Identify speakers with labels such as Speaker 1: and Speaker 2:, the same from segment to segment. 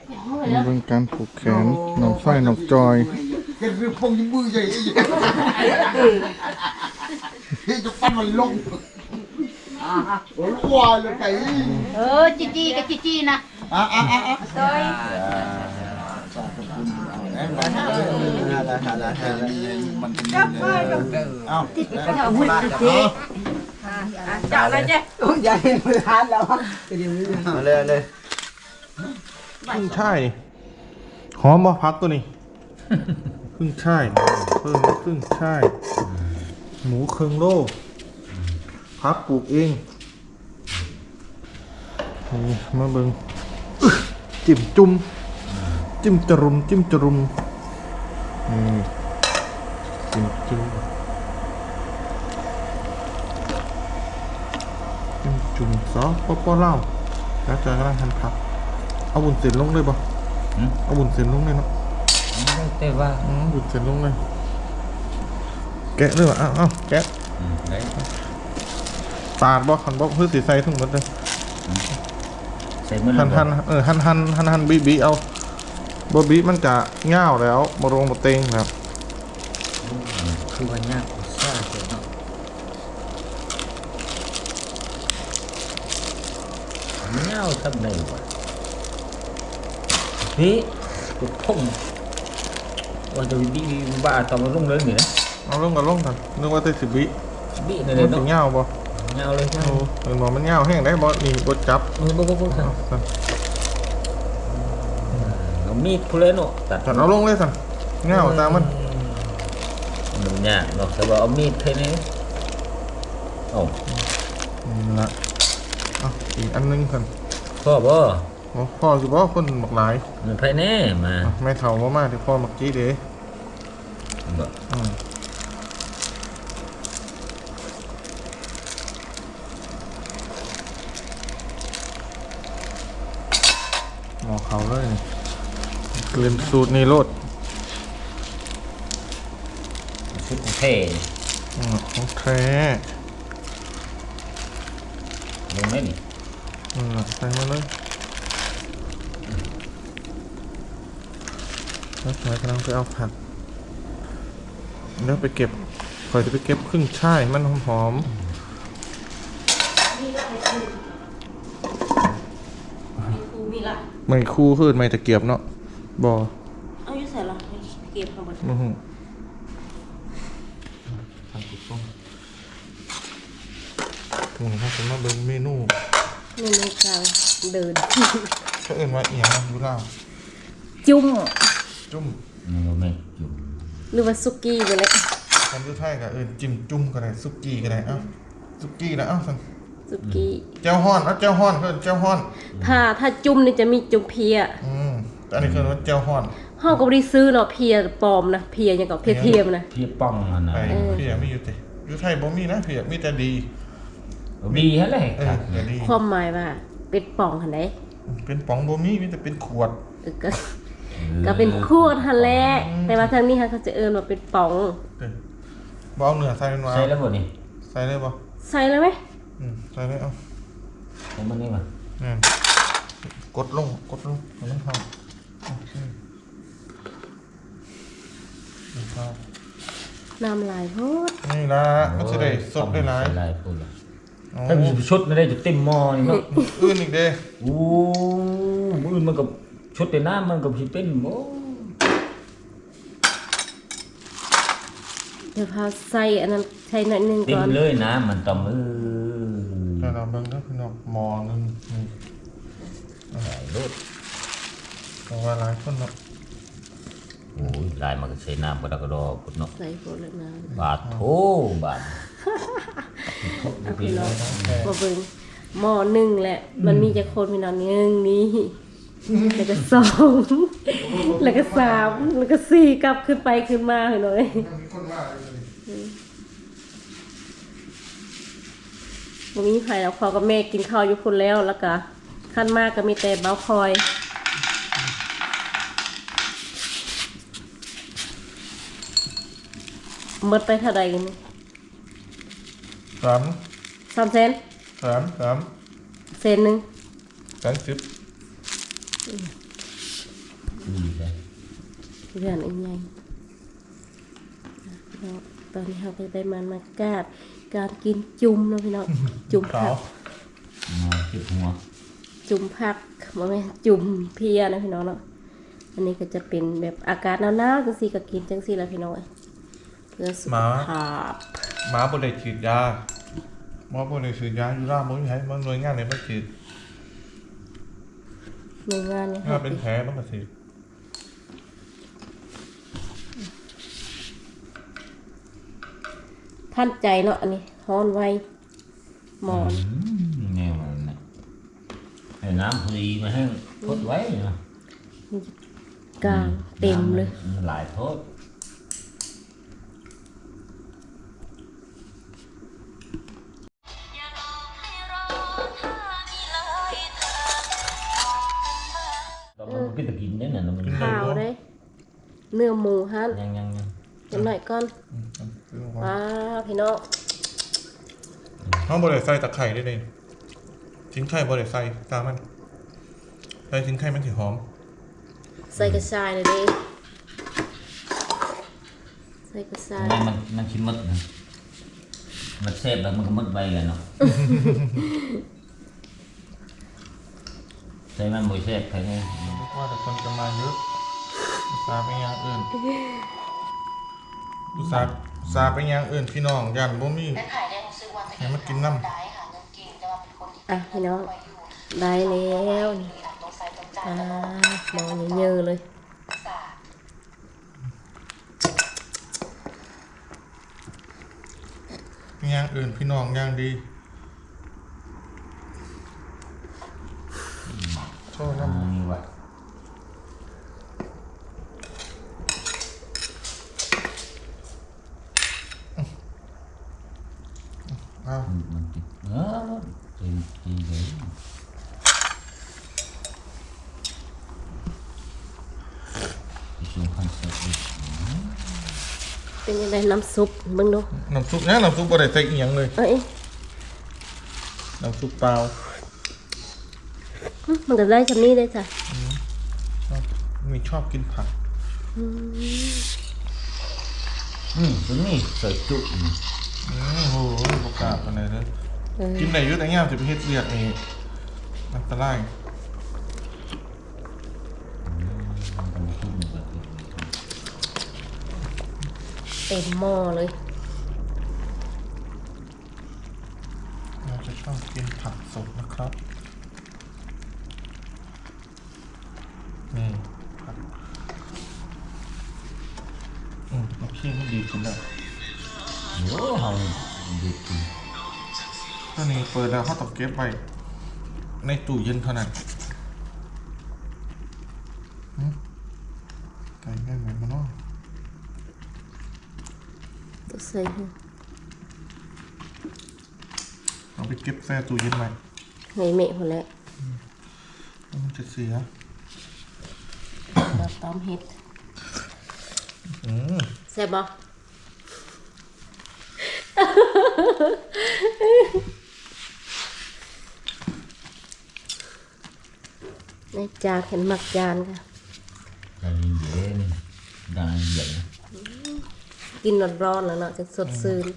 Speaker 1: มาเป็นการผูกแขนน้องไส้น้องจอย
Speaker 2: เรื่องพงยิ้มมือใหญ่จะปั้นมันลงว้าเลยไก่
Speaker 3: จีกับจีนะซอย
Speaker 2: มันจับไปเอ้าติดเอาหุ่นติด
Speaker 3: จับอะไรเจ๊
Speaker 4: ใหญ่มือทานแล้ว
Speaker 2: มาเลย
Speaker 1: ขึ้นช่ายหอมบ่พักตัวนี้ขึ้นช่ายเพิ่มขึ้นช่ายหมูเคืองโลพักปลูกเองนี่มาเบิ่งจิ้มจุ่มจิ้มจรุมนี่จิ้มจุ่มซอสป๊อเล่าแล้วจอยกำลังหั่นผักเอาบุญเส้นลงเลยป่ะเอาบุญเส้นลงเลยเนาะ
Speaker 5: แต่ว่า
Speaker 1: บุญเส้นลงเลยแกะเลยว่ะอ้าวแกะปาดบ่ขันบ่เพื่อสีใส่ทั้งหมดเลยหั่นบีเอาบ่บีมันจะเง่าแล้วบ่ลงบ่เต็งครับ
Speaker 5: คือวันยากซ่าเกินเนาะเงาทำไงวะพี่กดพุ่งว่าจะบีบ้าตอนมันลงเลยนี่นะ
Speaker 1: เอาลงกันนึกว่าจะ10 วิ
Speaker 5: บีใน
Speaker 1: เนาะเงาบ่
Speaker 5: เงาเลยใช่
Speaker 1: มันเงาแห้งได้บ่นี่บ่จับ
Speaker 5: บ่เอามีดพูเลยเนาะตัด
Speaker 1: เอาลงเลยสั่นเงาตามมัน
Speaker 5: ยากเนาะแต่ว่าเอามีดแค่นี้
Speaker 1: ละอีกอันนึงสั่น
Speaker 5: พ่อบ่
Speaker 1: พ่อสิบ่คนหมักหลาย
Speaker 5: มันไผแน่มา
Speaker 1: ไม่เฒ่าบ่มาที่พ่อหมักจี้เด้
Speaker 5: บ่
Speaker 1: หมอเขาเลยเกลือสูตรในรถ
Speaker 5: ชุดของเท่
Speaker 1: ของแท้
Speaker 5: ลงได้นี่
Speaker 1: ใส่มาเลยแล้วหน่อยกำลังไปเอาผักแล้วไปเก็บคอยจะไปเก็บครึ่งช่ายมันหอมไม่คู่ขึ้นไม่ตะเกียบเนาะบ่
Speaker 3: เอาอยู่ใส่ละเก็บข้างบน
Speaker 1: ถึงถ้าจะมาเบิ่งเมนู
Speaker 3: กลางเดิน
Speaker 1: ก็เอิ้นว่าเอียงอยู่ล่าง
Speaker 3: จุ่ม
Speaker 5: ไม่จุ่ม
Speaker 3: หรือว่าซุกี้ไปเลย
Speaker 1: คำสุดท้ายก็จิ้มจุ่มก็ได้ซุกี้ก็ได้ซุกี้นะสั่ง
Speaker 3: ซุกี้
Speaker 1: เจ้าฮ้อนเจ้าฮ้อนเจ้าฮ้อน
Speaker 3: ถ้าจุ่มนี่จะมีจุ่มเพีย
Speaker 1: แต่อันนี้คือว่าเจ้าฮ้อน
Speaker 3: ห้องก็บ่ได้ซื้อเนาะเพียปลอมนะเพียยังกับเพียเทียมนะ
Speaker 5: เพียป้องนะ
Speaker 1: เพียไม่อยู่ติอยู่ไทยบ่มีนะเพียมีแต่ดี
Speaker 5: ฮะเลย
Speaker 3: ความหมายว่าเป็นป่องหั่นเด้
Speaker 1: เป็นป๋องบ่มีแต่เป็นขวด
Speaker 3: ก็เป็นขวดหั่นแหละแต่ว่าทางนี้เขาจะว่าเป็นป่อง
Speaker 1: บ่เอาเนื้อใส่มันว่า
Speaker 5: ใส่แล้วบ่นี่
Speaker 1: ใส่เลยบ่
Speaker 3: ใส่เลยมั้ย
Speaker 1: ใส่เลยเอา
Speaker 5: มันนี่ม
Speaker 1: ากดลงมันเข้า
Speaker 3: น้ำลายโพด
Speaker 1: นี่ล่ะมันสิได้สดได้หลาย
Speaker 5: พูดล่ะถ้ามีชุดไม่ได้จะเต็มหม้อนี่เนาะ
Speaker 1: อื่นอีกเด้
Speaker 5: อื่นมันกับชุดในน้ำมันกับสิเป็นบ่
Speaker 3: เดี๋ยวพาใส่อันนั้นใส่หน่อยนึงก่อน
Speaker 5: เต็มเลยนะมันต้อง
Speaker 1: แต่เราเบิ่งเด้อพี่น้องหม้อนึงนี่
Speaker 5: หลายรส
Speaker 1: เพราะว่าหลายคนเนาะ
Speaker 5: โอ้ยลายมันก็ใส่น้ำกระดอพุ่นเนาะ
Speaker 3: ใส่โพดแล้วน้ำ
Speaker 5: บาทโธบาท
Speaker 3: มาเบิ่งหม้อนึงแหละมันมีจะคนพี่น้อง1นี่แล้วก็2แล้วก็3แล้วก็4กลับขึ้นไปขึ้นมาหน่อยบ่มีไผแล้วพ่อกับแม่กินข้าวอยู่พุ่นแล้วก็ขั้นมากก็มีแต่เบาคอยหมดไปเท่าใดกัน3เซน
Speaker 1: 3
Speaker 3: เซนนึง
Speaker 1: 30
Speaker 5: เลย
Speaker 3: เรื่องอีกไงตอนนี้เราก็ได้มากาดการกินจุ่มเนาะพี่น้องจุ่มผัก
Speaker 5: มาเก็บหัว
Speaker 3: จุ่มผักบ่แม่นจุ่มเพียนะพี่น้องเนาะอันนี้ก็จะเป็นแบบอากาศหนาวๆจังซี่ก็กินจังซี่แหละพี่น้องเพื่อสุขภาพ
Speaker 1: หมาบ่ได้ฉีดยาหมอบ่ได้ฉีดยาอยู่ล่าบ่มีให้มันหน่วยงานไหนมาฉีด
Speaker 3: ในงานนี้
Speaker 1: ถ้าเป็นแผลมันก็ฉีด
Speaker 3: ท่านใจเนาะอันนี้ฮ้อนไวหมอน
Speaker 5: แนวมันนะไอ้น้ำพอดีมาให้พดไว้เนาะ
Speaker 3: กลางเต็มเลย
Speaker 5: มันหลายโทษ เรามันก็จะกินได้น่ะมัน
Speaker 3: ข้าวเด้เนื้อหมูหั่น
Speaker 5: ยัง
Speaker 3: จังหน่อยก่อนว้าพี่น้อง
Speaker 1: เขาบ่ได้ใส่ตะไคร้ได้เลยชิ้นไข่บ่ได้ใส่ตามมันใส่ชิ้นไข่มันสิหอม
Speaker 3: ใส่กระชายเลยเด้ใส่กระชาย
Speaker 5: มันชิมมดนะมันเซฟแล้วมันก็มดไปเลยเนาะใส่มันมวยเซฟใครไง
Speaker 1: ว่าแต่คนจะมาเยอะอุตส่าห์ไปอย่างอื่นอุตส่าห์ไปอย่างอื่นพี่น้องยันบ่มีให้มันกินน้ำ
Speaker 3: อ่ะพี่น้องได้แล้วนี่หมอเยอะๆเลย
Speaker 1: อย่างอื่นพี่น้องอย่างดีโทษนะ
Speaker 5: นี่วะ
Speaker 1: อ้าว
Speaker 5: มันติดจริงเลยช่วงคอนเสิร์ตอีก
Speaker 3: เป็นยังไงน้ำซุปเบิ่งดู
Speaker 1: น้ำซุปเนี่ยน้ำซุปบ่ได้ใส่อีหยังเลย
Speaker 3: เอ้ย
Speaker 1: น้ำซุปเปล่า
Speaker 3: มันก็ได้ชำนี้ได้จ้ะ
Speaker 1: มีชอบกินผัก
Speaker 5: ตัวนี้ใส่จุ๊บ
Speaker 1: โอ้โหบกล้าปานใดเด้อกินได้อยู่แต่ยามสิไปเฮ็ดเวียกนี่อันตราย
Speaker 3: เต็มหม้อเลย
Speaker 1: เราจะชอบกินผักสดนะครับนี่ผักโอเคมันดีขึ้นแล้ว
Speaker 5: โอ้เฮาดีจริง
Speaker 1: ตัวนี้เปิดแล้วเขาต้องเก็บไว้ในตู้เย็นเท่านั้นไก่แม่งเหมือนมันเนาะ
Speaker 3: ตัวใส่ให้
Speaker 1: เอาไปเก็บแช่ตู้เย็นไว้
Speaker 3: ให้แม่พอแล้ว
Speaker 1: แล้วมันจะเสีย
Speaker 3: เราต้มเห็ดแซ่บบ่ในจานเห็นหมักจานค่ะ
Speaker 5: ได้เย็นได้เย็น
Speaker 3: กินร้อนๆแล้วเนาะจะสดชื่น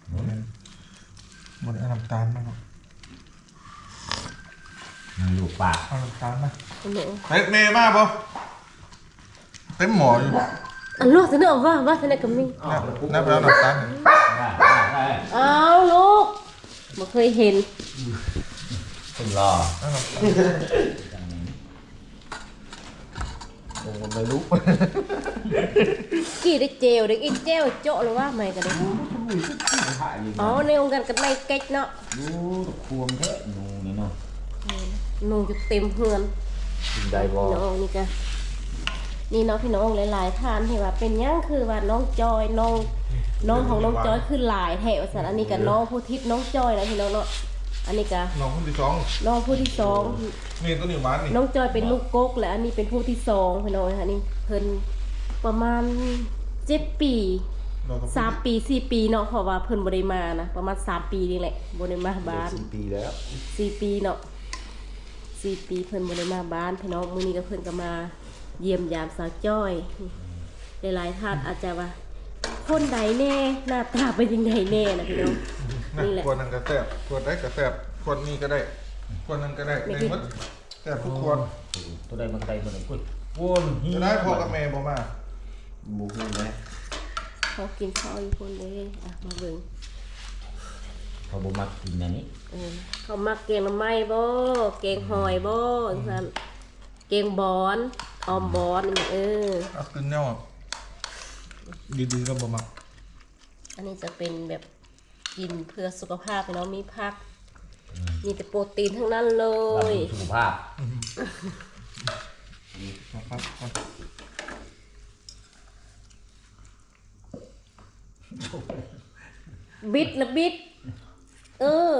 Speaker 1: มันเอาน้ำตาลมาเนาะ
Speaker 5: มันอยู่ปาก
Speaker 1: เอาน้ำตาลมา
Speaker 3: อันนี้
Speaker 1: เฮ้ยเมย์มาบ่เต็มหมออยู่
Speaker 3: อันลูกจะนึกออกว่าจะไหนกับมี
Speaker 1: นับแล้วน้ำตาล
Speaker 5: ได้
Speaker 3: อ้าวลูกบ่เคยเห็น
Speaker 5: คนรอ
Speaker 1: เอาน้ำตาล
Speaker 2: ผมไม่รู้
Speaker 3: กี่ได้เจลได้อีเจลโจะหรือว่าไม่กันเลยอ๋อในองค์การกันในเก๊กเนาะ
Speaker 5: ดูควมแท้นูนี่เนาะ
Speaker 3: นูจะเต็มเฮือน
Speaker 2: ได้บอ
Speaker 3: พี่น้องนี่กันนี่เนาะพี่น้องหลายๆท่านที่ว่าเป็นหยังคือว่าน้องจอยน้องของน้องจอยคือหลายแถวสันอันนี้กับน้องผู้ทิพย์น้องจอยนะพี่น้องเนาะอันนี้กับ
Speaker 1: น้องคนที่สอง
Speaker 3: น้องผู้ที่สอง
Speaker 1: นี่ตัวนี้หวานนี่
Speaker 3: น้องจอยเป็นลูกกกและอันนี้เป็นผู้ที่สองพี่น้องค่ะนี่เพิ่นประมาณ7 ปี
Speaker 1: เราก็
Speaker 3: 3 ปี 4 ปีเนาะเพราะว่าเพิ่นบ่ได้มานะประมาณ3 ปีนี่แหละบ่ได้มาบ้าน
Speaker 2: 4 ปีแล้ว
Speaker 3: 4 ปีเนาะ4 ปีเพิ่นบ่ได้มาบ้านพี่น้องมื้อนี้ก็เพิ่นก็มาเยี่ยมยามสาวจ้อยหลายๆท่านอาจจะว่าคนใดแน่หน้าตาเป็นยังไงแน่นะพี่น้องนี่แหละ
Speaker 1: คนนั้นก็แซ่บคนได้ก็แซ่บคนนี้ก็ได้คนนั้นก็ได้ได้หมดแซ่บทุกคน
Speaker 5: ตัวใดมันก็ได้บ่ได้ปุ้ยวนเฮีย
Speaker 1: จะได้พ่อกับแม่บ่มา
Speaker 5: บ่ฮู้แหละ
Speaker 3: เขากินข้าวอีกคนเลยอ่ะมาเบิ่ง
Speaker 5: เขาบ่มักกินอันนี้
Speaker 3: เขามักเกงหน่อไม้บ่เกงหอยบ่จังซั่นเกงบอนออมบอนนี่
Speaker 1: เอากินแนวดีๆก็บ่มา
Speaker 3: อันนี้จะเป็นแบบกินเพื่อสุขภาพพี่น้องมีผักมีแต่โปรตีนทั้งนั้นเล
Speaker 5: บำ
Speaker 3: ย
Speaker 5: รุงสุขภาพ
Speaker 1: ครับ
Speaker 3: บิดละบิดเออ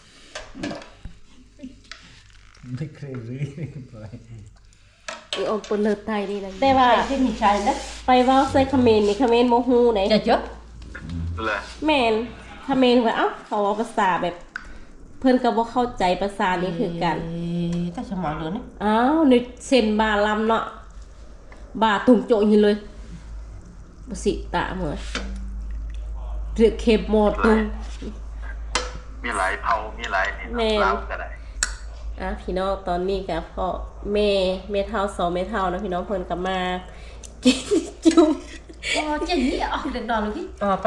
Speaker 5: ไม่เคยรู้ไป
Speaker 3: อีออมปนเลิศไทยนี่นะแต่ว่า
Speaker 4: ที่มีชายนะ
Speaker 3: ไปเว้าใส่คอมเขมนต์นี่คอมเขมนต์โมฮูไหน
Speaker 4: จะเจอ
Speaker 3: แม่นคอมเขมนต์ว่าเอ้าเขาเอาภาษาแบบ เพิ่นก็บ่เข้าใจภาษานี้คือกัน
Speaker 4: แต่สมองเหลือนี่
Speaker 3: อ้าวนึกเส้นบาลำเนาะบาตุ่มโจอยู่เลยบ่สิตะเหมือนเรือเข็มหมดตุง
Speaker 2: มีหลายเผามีหลายนี่
Speaker 3: แม่
Speaker 2: เล่าก็ได้
Speaker 3: พี่น้องตอนนี้กับพ่อแม่เท่าสองแม่เท่านะพี่น้องเพิ่นก็มากินจุ่ม
Speaker 4: โอ้เจ๋งนี่อ่ะเด็กดอนเลยพี่
Speaker 3: ไป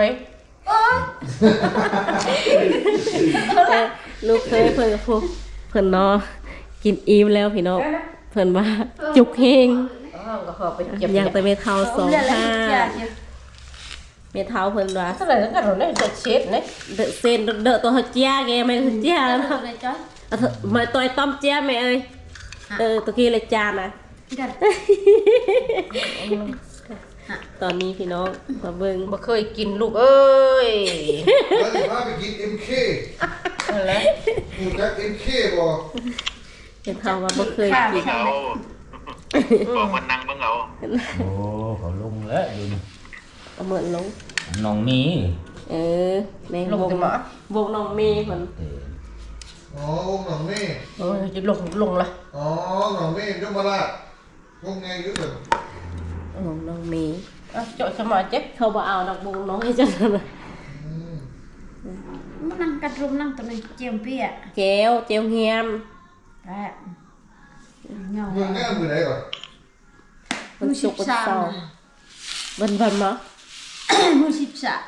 Speaker 3: ลูกเคยเพิ่นกับพวกเพิ่นเนาะกินอิ่มแล้วพี่น้องเพิ่นว่าจุกเฮง
Speaker 4: ก็ขอไปเจ็บ
Speaker 3: อย่างแต่แม่เท่าสองห้าแม่เท่าเพิ่นว่า
Speaker 4: เท่าไหร่แล้วกันเราได้จะเช็ดเนี่ย
Speaker 3: เดอะเซนเดอะตัวเฮาเจียแกไม่เฮาเจียแล้ว
Speaker 4: เลยจ้อย
Speaker 3: มาตัวไอ้ต้อมเจียแม่เอ้ยตะกี้เลยจานนะ
Speaker 4: กัน
Speaker 3: ตอนนี้พี่น้องมาเบิ่ง
Speaker 4: บ่เคยกินลูกเอ้ย
Speaker 1: แล้วสิพาไปกิน MK
Speaker 4: นั่นแหละ
Speaker 1: อยู่จัก MK บ่
Speaker 3: เป็นเท่าว่าบ่เคยกิน
Speaker 2: เอาบอกมันนั่งเบิ่งเอา
Speaker 5: โอ้เขาลงแล้วอยู่นี่
Speaker 3: เอาเหมือนลง
Speaker 5: น้องมี
Speaker 3: ใน
Speaker 4: ลงกันมาว
Speaker 3: งน้องเมย์เพิ่น
Speaker 1: อ๋อวงหนองเม่
Speaker 4: โอ้ยจะลงละ
Speaker 1: อ๋อหนองเม่ยมราชวงไงอยู่เด้อ
Speaker 3: วงน้องเมย์
Speaker 4: เจาะสมองเจ็บ
Speaker 3: เขาบ่เอาดอกวงน้องให้จังนั้นน่ะ
Speaker 6: มันนั่งกัดรุมนั่งตัวนึงเจียมเปี้ย
Speaker 3: เจลเฮียม
Speaker 6: แป๊บเงา
Speaker 1: เมืองแน่มือไหนก่อน
Speaker 3: มันสุกร์วันเสาร์วันมั้ง
Speaker 6: มือสิบสาม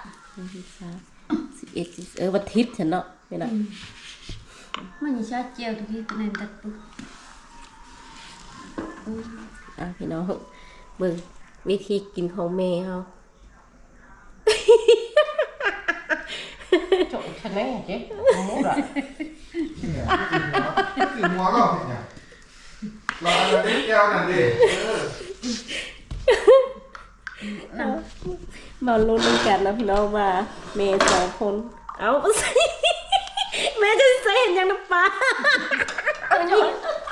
Speaker 3: 11วันอาทิตย์ฉันเนาะนี่น่ะ
Speaker 6: มันยังชาเจียวทุกทีตัวนึงตัดปุ๊บ
Speaker 3: พี่น้องเบิ่งวิธีกินของแม่เฮา
Speaker 4: เจาะฉันแน่เจ๊หมูละ
Speaker 1: สิหัวก็เนี่ยรออันนี้แก้วนั่นดิ
Speaker 3: มาลุ้นกันนะพี่น้องว่าแม่สองคนเอาสิ แม่จะใส่เห็นยังน้ำปลา
Speaker 1: โอ้ย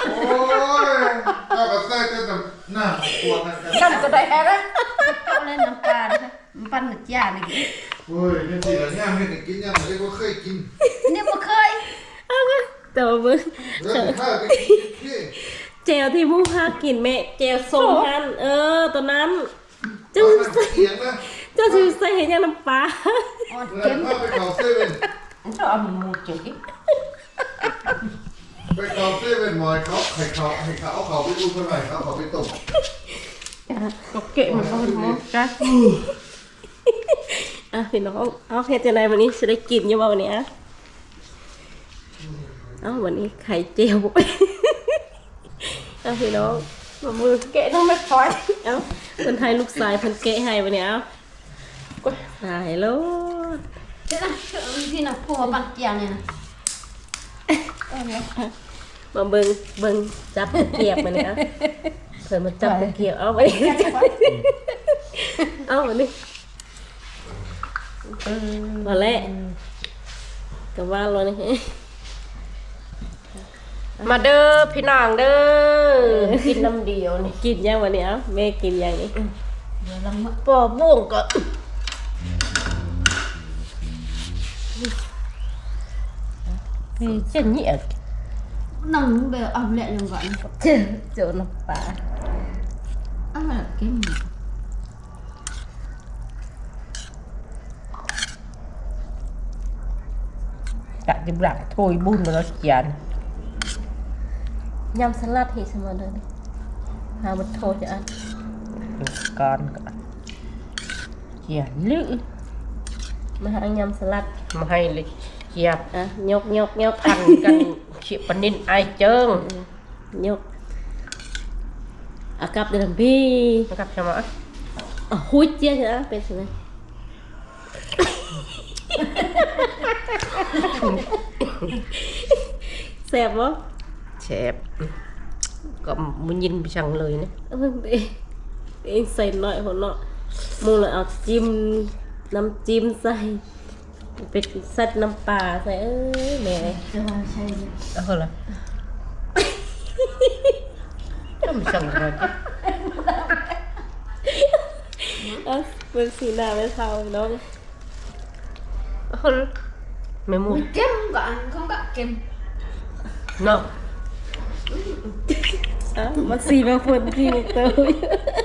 Speaker 1: ก็ใส่แต่หน้าปวดนั่นกัน
Speaker 4: นั่นก็ได้แฮะนะ
Speaker 6: เอาเล่นน้ำปลานะคะมันปั้นหนึกยาเลย
Speaker 1: โอ้ยนี่สิละเนี่ยไม่ได้กินยังไม่ได้ว่าเคยกิน
Speaker 6: เนี่ยบ่เคย
Speaker 3: แต่ว่าเบิ่ง
Speaker 1: แล้วสิพาไปกิน MK
Speaker 3: เจลที่มูพากินแม่เจลส้มฮันตัวนั้นเจ้า
Speaker 1: มันเอียงนะ
Speaker 3: สิใส่เห็นยังน้ำปลา
Speaker 6: อ่อน
Speaker 1: แล้ว
Speaker 6: เข็ม
Speaker 1: พาไปเขาเซเว่น
Speaker 4: เจาะหมูเจ๊
Speaker 1: ไปเขาเซเว่นหมอยเขาให้เขาเอาเขาไปดูกันหน่อยเขาไปตก
Speaker 4: ก็เกะมันก็เป็นหมูจ้ะ
Speaker 3: พี่น้องเอาเฮ็ดจังไดวันนี้สิได้กินอยู่บ่วันนี้วันนี้ไข่เจียวบ่ พี่น้องมามือ
Speaker 4: เกะต้องไม่คอย
Speaker 3: เพิ่นให้ลูกชายเพิ่นเกะให้วันนี้ตายแล้ว
Speaker 6: เดี๋ยวนะพี่น่ะพัวปั้นเจียวเนี่ยนะ
Speaker 3: มาเบิ่งจับตะเกียบมาเนี่ยเพิ่นมาจับตะเกียบเอาไปเอาวันนี้มาแล้วก็ว่าแล้วนี่
Speaker 4: มาเด้อพี่น้องเด้อกินน้ำเดียวนี่
Speaker 3: กินยังวันนี้แม่กินยังนี่
Speaker 6: เดี๋ยวลำมะ
Speaker 4: ปอบ่วงก็เช่นนี้
Speaker 6: นั่งแบบเอาแหละลงก่อน
Speaker 3: เจอน้ำปลา
Speaker 6: kem.
Speaker 4: Đã chụp lại thôi bún mà nó chán
Speaker 3: ยำสลัดเห็ดสมอเดินหาบัตโทจะอัน
Speaker 4: con chán lữ
Speaker 3: มาหายำสลัด
Speaker 4: mà hay là chẹp
Speaker 3: อ่ะยก
Speaker 4: ăn cần chị phần nên ai trơn
Speaker 3: ยกอ่ะกลับเดินพี่
Speaker 4: nó gặp cho mà
Speaker 3: อ่ะหุ้ยเจี๊ยจะเป็นสินะแซ่บบ่
Speaker 4: chẹp có muốn nhìn chẳng lời nữa
Speaker 3: เองใส่หน่อยหัวเนาะมูเลยเอาจิ้มน้ำจิ้มใส่เป็นเซตน้ำปลาใส่แม่
Speaker 6: Coba saya.
Speaker 4: đó hơn là không chẳng rồi chứ
Speaker 3: เอาเป็นสีหน้าเป็นเทาน้อง
Speaker 4: hơn mày mua
Speaker 6: Kem enggak? Kau enggak kem?
Speaker 4: no
Speaker 3: อ่ะมันสีมาฝนสีมาเตย